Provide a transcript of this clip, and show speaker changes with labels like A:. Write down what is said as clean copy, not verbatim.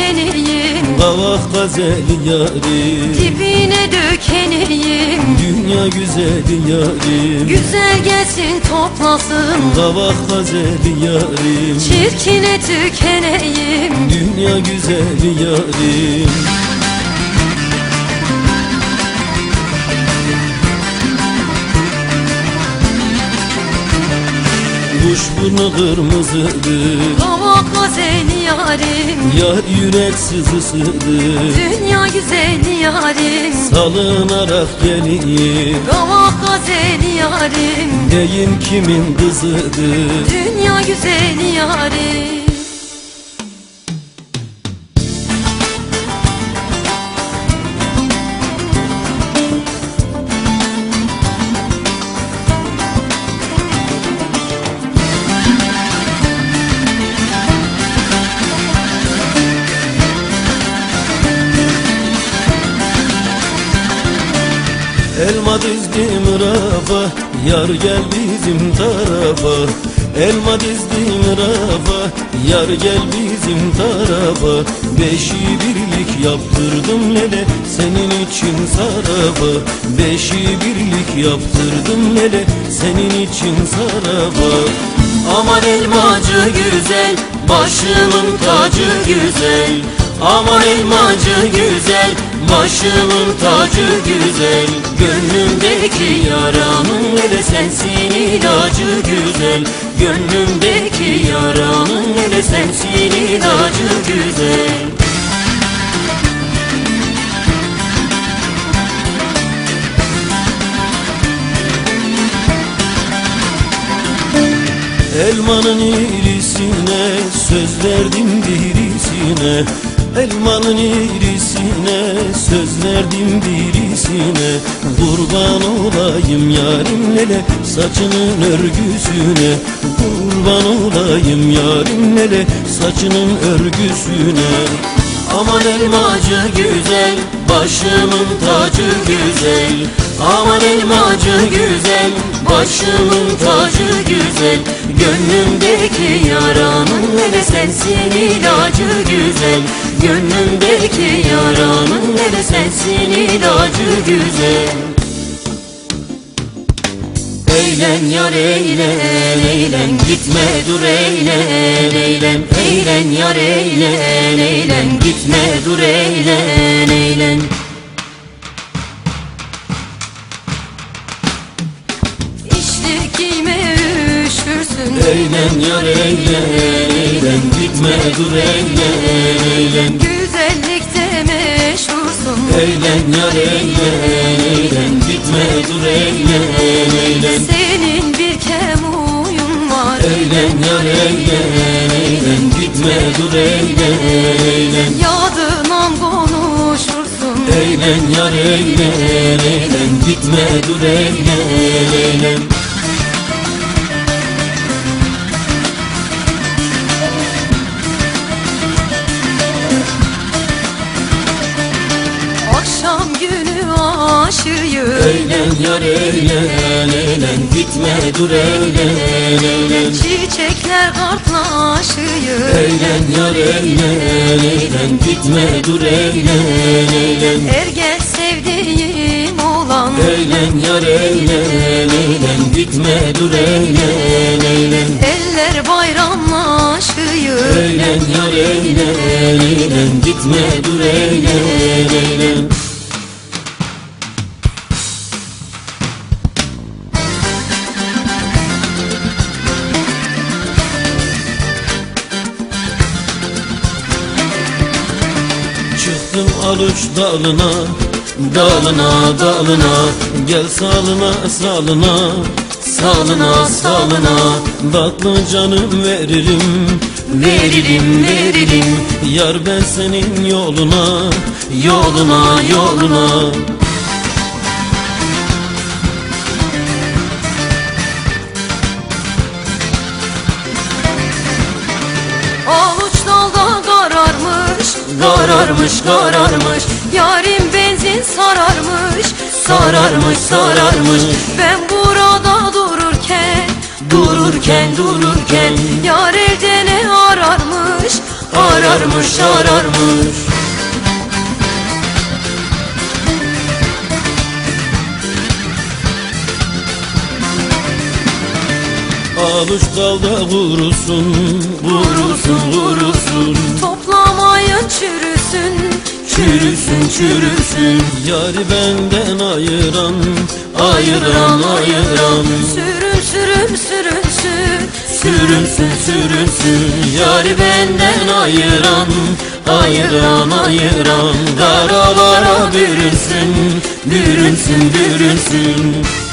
A: dökeneyim,
B: Kavak gazeli yarim,
A: dibine dökeneyim.
B: dünya güzeli yarim,
A: Güzel gelsin toplasın,
B: Kavak gazeli yarim,
A: çirkine tükeneyim.
B: dünya güzeli yarim. Kuşburnu kırmızıdır,
A: Kavak gazeli yarim,
B: yar yürek sızısıdır.
A: dünya güzeli yarim.
B: Salınarak gelir,
A: Kavak gazeli yarim,
B: neyim kimin kızıdır.
A: dünya güzeli yarim.
B: Elma dizdim rafa, yar gel bizim tarafa. Elma dizdim rafa, yar gel bizim tarafa. Beşi birlik yaptırdım lele, senin için saraba. Beşi birlik yaptırdım lele, senin için saraba.
A: Aman elmacı güzel, başımın tacı güzel. Aman elmacı güzel, başımın tacı güzel. Gönlümdeki yaranın hele sensin ilacı güzel. Gönlümdeki yaranın hele sensin ilacı güzel.
B: Elmanın irisine söz verdim birisine. Elmanın irisine söz verdim birisine. Kurban olayım yarim lele saçının örgüsüne. Kurban olayım yarim lele saçının örgüsüne.
A: Aman elmacı güzel, başımın tacı güzel. Aman elmacı güzel, başımın tacı güzel. Gönlümdeki yaranın hele sensin ilacı güzel. Gönlümdeki yaranın hele sensin ilacı güzel. Eğlen yar eğlen, eğlen gitme dur eğlen, eğlen. Eğlen yar eğlen, eğlen gitme dur eğlen, eğlen. İşte giyme üşürsün.
B: Eğlen yar eğlen, eğlen gitme dur eğlen, eğlen.
A: Güzellikte meşhursun.
B: Eğlen yar eğlen, eğlen gitme dur eğlen, eğlen.
A: Senin bir kemuyun var.
B: Eğlen yar eğlen, eğlen gitme dur eğlen, eğlen.
A: Yadından konuşursun.
B: Eğlen yar eğlen, eğlen gitme dur eğlen, eğlen.
A: Akşam günü aşığım.
B: Eğlen yar eğlen, eğlen gitme dur eğlen, eğlen.
A: Çiçekler kartlaşıyor.
B: Eğlen yar eğlen, eğlen gitme dur eğlen, eğlen.
A: Ergen sevdiğim olan.
B: Eğlen yar eğlen, eğlen gitme dur eğlen, eğlen.
A: Eller bayramlaşıyor.
B: Eğlen yar eğlen, eğlen gitme dur eğlen, eğlen. Çıktım aluç dalına, dalına, dalına. Gel salına, salına, salına, salına. Tatlı canım veririm, veririm, veririm. Yar ben senin yoluna, yoluna, yoluna.
A: Avuç dalda kararmış, kararmış, kararmış. Yarim benzin sararmış, sararmış, sararmış. Ben burada dururken, dururken, dururken. Yar elde ne ararmış, ararmış ararmış.
B: Avuç dalda vurursun, vurursun, vurursun.
A: Toplamayın çürüsün,
B: Çürüsün, çürüsün. Yari benden ayıran, ayıran, ayıran.
A: sürün sürün sürünsün,
B: Sürünsün, sürünsün. Yari benden ayıran, ayıran, ayıran. Daralara bürünsün, bürünsün, bürünsün.